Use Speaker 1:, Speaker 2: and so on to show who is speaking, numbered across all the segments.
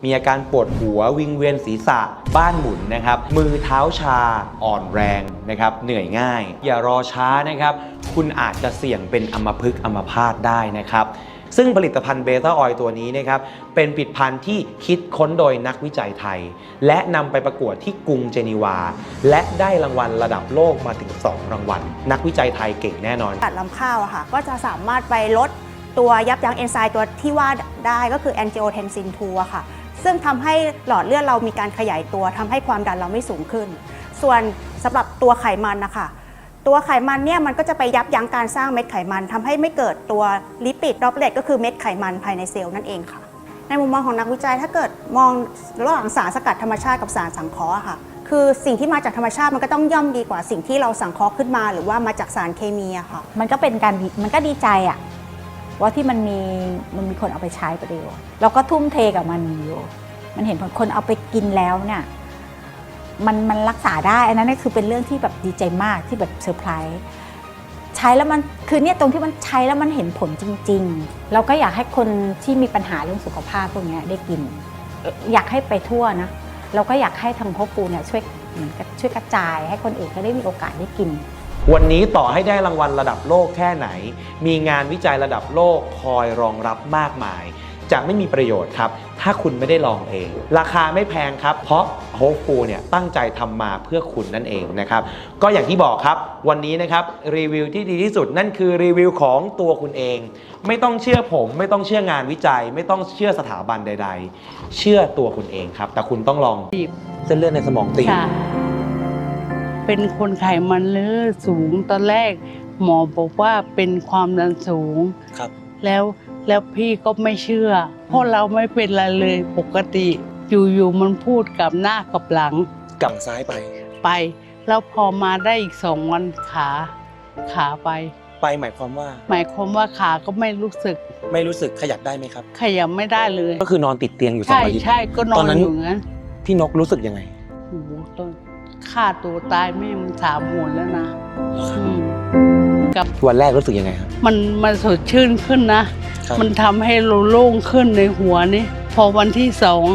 Speaker 1: มีอาการปวดหัววิงเวียนศีรษะบ้านหมุนนะครับมือเท้าชาอ่อนแรงนะครับเหนื่อยง่ายอย่ารอช้านะครับคุณอาจจะเสี่ยงเป็นอัมพฤกษ์อัมพาตได้นะครับซึ่งผลิตภัณฑ์เบต้าออยล์ตัวนี้นะครับเป็นผลิตภัณฑ์ที่คิดค้นโดยนักวิจัยไทยและนำไปประกวดที่กรุงเจนีวาและได้รางวัลระดับโลกมาถึง2รางวัลนักวิจัยไทยเก่งแน่นอน
Speaker 2: ตัดลำข้าวอะค่ะก็จะสามารถไปลดตัวยับยั้งเอนไซม์ตัวที่ว่าได้ก็คือ angiotensin 2 อะค่ะซึ่งทำให้หลอดเลือดเรามีการขยายตัวทำให้ความดันเราไม่สูงขึ้นส่วนสำหรับตัวไขมันนะคะตัวไขมันเนี่ยมันก็จะไปยับยั้งการสร้างเม็ดไขมันทำให้ไม่เกิดตัวลิปิดดรอปเลตก็คือเม็ดไขมันภายในเซลล์นั่นเองค่ะในมุมมองของนักวิจัยถ้าเกิดมองระหว่างสารสกัดธรรมชาติกับสารสังเคราะห์ค่ะคือสิ่งที่มาจากธรรมชาติมันก็ต้องย่อมดีกว่าสิ่งที่เราสังเคราะห์ขึ้นมาหรือว่ามาจากสารเคมีอะค่ะ
Speaker 3: มันก็เป็นการมันก็ดีใจอะว่าที่มันมีคนเอาไปใช้ประโยชน์เราก็ทุ่มเทกับมันอยู่มันเห็นคนเอาไปกินแล้วเนี่ยมันรักษาได้อันนั้นคือเป็นเรื่องที่แบบดีใจมากที่แบบเซอร์ไพรส์ใช้แล้วมันคือเนี่ยตรงที่มันใช้แล้วมันเห็นผลจริงๆเราก็อยากให้คนที่มีปัญหาเรื่องสุขภาพพวกนี้ได้กินอยากให้ไปทั่วนะเราก็อยากให้ทางพ่อปูเนี่ยช่วยเหมือนกับช่วยกระจายให้คนอื่นก็ได้มีโอกาสได้กิน
Speaker 1: วันนี้ต่อให้ได้รางวัลระดับโลกแค่ไหนมีงานวิจัยระดับโลกคอยรองรับมากมายจะไม่มีประโยชน์ครับถ้าคุณไม่ได้ลองเองราคาไม่แพงครับเพราะโฮปฟูเนี่ยตั้งใจทำมาเพื่อคุณนั่นเองนะครับก็อย่างที่บอกครับวันนี้นะครับรีวิวที่ดีที่สุดนั่นคือรีวิวของตัวคุณเองไม่ต้องเชื่อผมไม่ต้องเชื่องานวิจัยไม่ต้องเชื่อสถาบันใดๆเชื่อตัวคุณเองครับแต่คุณต้องลองเส้นเลือดในสมองตีบ
Speaker 4: เป็นคนไขมันเลือดสูงตอนแรกหมอบอกว่าเป็นความดันสูง
Speaker 1: ครับ
Speaker 4: แล้วพี่ก็ไม่เชื่อเพราะเราไม่เป็นอะไรเลยปกติอยู่ๆมันพูดกับหน้ากับหลัง
Speaker 1: กับซ้าย
Speaker 4: ไปแล้วพอมาได้อีก2 วันขาไป
Speaker 1: หมายความ
Speaker 4: ว่าขาก็ไม่รู้สึก
Speaker 1: ขยับได้ไหมครับ
Speaker 4: ขยับไม่ได้เลย
Speaker 1: ก็คือนอนติดเตียงอยู่2 อาทิตย์
Speaker 4: ใช่ก็นอนอยู่งั้น
Speaker 1: พี่นกรู้สึกยังไง
Speaker 4: โอ้โหต้นฆ่าตัวตายแม่มัน3 หนแล้วนะ
Speaker 1: กับวันแรกรู้สึกยังไงครับ
Speaker 4: มันสดชื่นขึ้นนะมันทำให้เราโล่งขึ้นในหัวนี่พอวันที่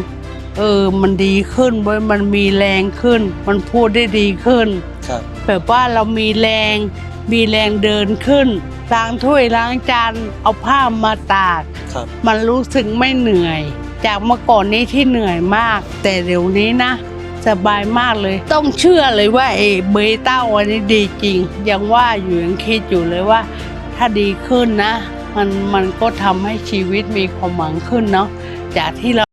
Speaker 4: 2มันดีขึ้นเว้ยมันมีแรงขึ้นมันพูดได้ดีขึ้นแบบว่าเรามีแรงเดินขึ้นล้างถ้วยล้างจานเอาผ้ามาตากมันรู้สึกไม่เหนื่อยจากเมื่อก่อนนี้ที่เหนื่อยมากแต่เดี๋ยวนี้นะสบายมากเลยต้องเชื่อเลยว่าเบต้าวันนี้ดีจริงยังว่าอยู่ยังคิดอยู่เลยว่าถ้าดีขึ้นนะมันก็ทำให้ชีวิตมีความหวังขึ้นเนาะจากที่เรา